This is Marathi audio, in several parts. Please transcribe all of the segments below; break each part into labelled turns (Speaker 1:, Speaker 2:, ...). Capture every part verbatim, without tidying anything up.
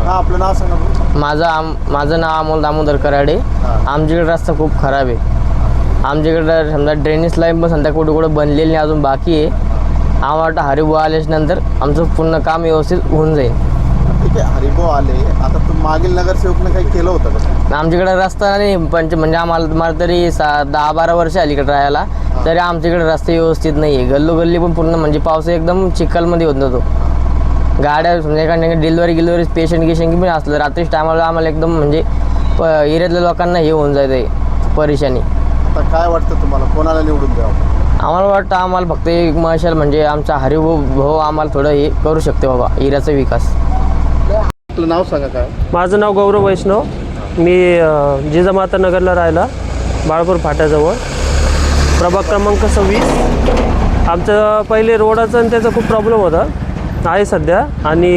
Speaker 1: हां, आपलं नाव सांगा बरं.
Speaker 2: माझं आम माझं नाव अमोल दामोदर कराडे. आमच्याकडे रस्ता खूप खराब आहे. आमच्याकडं समजा ड्रेनेज लाईन पण समजा कुठं कुठं बनलेली नाही, अजून बाकी आहे. आम्हाला वाटतं हरिभाऊ आल्याच्यानंतर आमचं पूर्ण काम व्यवस्थित होऊन जाईल.
Speaker 1: ठीक आहे, हरिभाऊ आले, आता तू मागील नगरसेवकनं काही केलं होतं का?
Speaker 2: आमच्याकडे रस्ता नाही पंच म्हणजे आम्हाला मला तरी सा दहा बारा वर्ष आली इकडे राहायला, तरी आमच्याकडे रस्ते व्यवस्थित नाही आहे. गल्लोगल्ली पण पूर्ण म्हणजे पाऊस एकदम चिखलमध्ये होत नव्हतो. गाड्या समजा एखाद्या डिलिव्हरी गिलिव्हरी पेशंट गिशंट पण असलं रात्रीच टायमाला आम्हाला एकदम म्हणजे प एरियातल्या लोकांना हे होऊन जाते परेशानी.
Speaker 1: आता काय वाटतं तुम्हाला, कोणाला निवडून द्यावं?
Speaker 2: आम्हाला वाटतं आम्हाला फक्त एक मशाल म्हणजे आमचा हरिभाऊ भाऊ आम्हाला थोडं हे करू शकते बाबा एरियाचा विकास.
Speaker 1: आपलं नाव सांगा काय?
Speaker 3: माझं नाव गौरव वैष्णव. मी जिजामाता नगरला राहायला, बाळपूर फाट्याजवळ, प्रभाग क्रमांक सव्वीस. आमचं पहिले रोडाचा आणि त्याचा खूप प्रॉब्लेम होता, आहे सध्या. आणि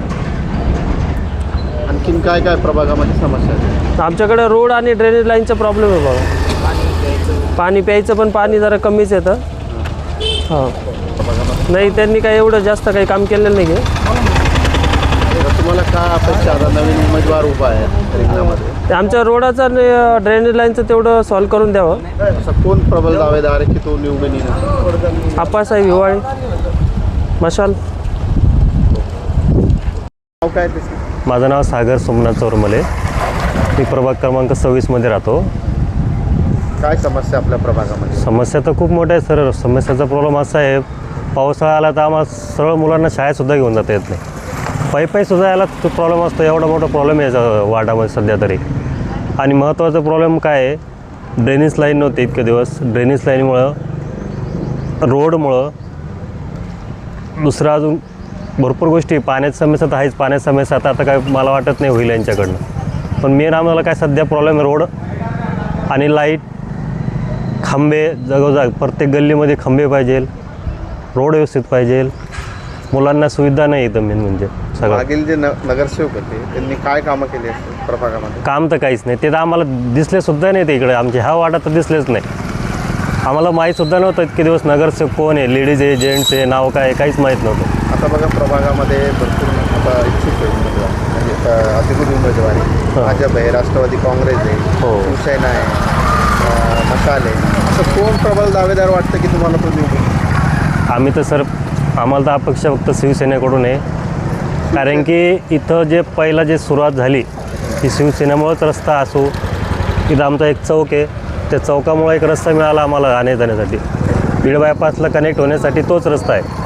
Speaker 1: आणखीन काय काय प्रभागामध्ये समस्या आहे?
Speaker 3: आमच्याकडे रोड आणि ड्रेनेज लाईनचा प्रॉब्लेम आहे बघा. पाणी प्यायचं पण पाणी जरा कमीच येतं. हां, नाही त्यांनी काय एवढं जास्त काही काम केलेलं नाही आहे.
Speaker 1: तुम्हाला काय अपेक्षा, आता नवीन उमेदवार उभा आहे रिंगणामध्ये,
Speaker 3: आमच्या रोडाचं आणि ड्रेनेज लाईनचं तेवढं सॉल्व करून द्यावं.
Speaker 1: असं कोण प्रबल दावेदार आहे की तो निवडून येईल?
Speaker 3: आप्पासाहेब हिवाळे, मशाल.
Speaker 1: नाव काय त्याचं?
Speaker 4: माझं नाव सागर सोमनाथ चौरमले. मी प्रभाग क्रमांक सव्वीसमध्ये राहतो.
Speaker 1: काय समस्या आपल्या प्रभागामध्ये?
Speaker 4: समस्या तर खूप मोठ्या आहे सर. समस्याचा प्रॉब्लेम असा आहे, पावसाळा आला तर आम्हाला सरळ मुलांना शाळेतसुद्धा घेऊन जाता येत नाही. पायी पायीसुद्धा यायला तो प्रॉब्लेम असतो. एवढा मोठा प्रॉब्लेम आहे वार्डामध्ये सध्या तरी. आणि महत्त्वाचा प्रॉब्लेम काय आहे, ड्रेनेज लाईन नव्हती इतके दिवस. ड्रेनेज लाईनमुळं, रोडमुळं, दुसरं अजून भरपूर गोष्टी. पाण्याची समस्या तर आहेच. पाण्याची समस्या आता आता काय मला वाटत नाही होईल यांच्याकडनं. पण मेन आम्हाला काय सध्या प्रॉब्लेम आहे रोड आणि लाईट, खंबे जागोजाग. प्रत्येक गल्लीमध्ये खंबे पाहिजे, रोड व्यवस्थित पाहिजे. मुलांना सुविधा नाही इथं मेन म्हणजे सगळं.
Speaker 1: मागील जे न नगरसेवक होते त्यांनी काय कामं केली असतील प्रभागामध्ये?
Speaker 4: काम तर काहीच नाही. ते तर आम्हाला दिसलेसुद्धा नाही. ते इकडे आमच्या ह्या वार्डात तर दिसलेच नाही. आम्हाला माहीतसुद्धा नव्हतं इतके दिवस नगरसेवक कोण आहे, लेडीज आहे, जेंट्स आहे, नाव काय, काहीच माहीत नव्हतं.
Speaker 1: आता बघा प्रभागामध्ये भरपूर आता इच्छुक आहे उमेदवार, म्हणजे अधिकृत उमेदवार आहे. भाजप आहे, राष्ट्रवादी काँग्रेस आहे,
Speaker 4: हो.
Speaker 1: शिवसेना आहे, मशाल आहे. असं कोण प्रबल दावेदार वाटतं की तुम्हाला तो निवडून?
Speaker 4: आम्ही तर सर आम्हाला तर अपेक्षा फक्त शिवसेनेकडून आहे. कारण की इथं जे पहिला जे सुरुवात झाली ती शिवसेनेमुळंच रस्ता असो. इथं आमचा एक चौक आहे, त्या चौकामुळे एक रस्ता मिळाला आम्हाला येण्या जाण्यासाठी. बीड बायपासला कनेक्ट होण्यासाठी तोच रस्ता आहे.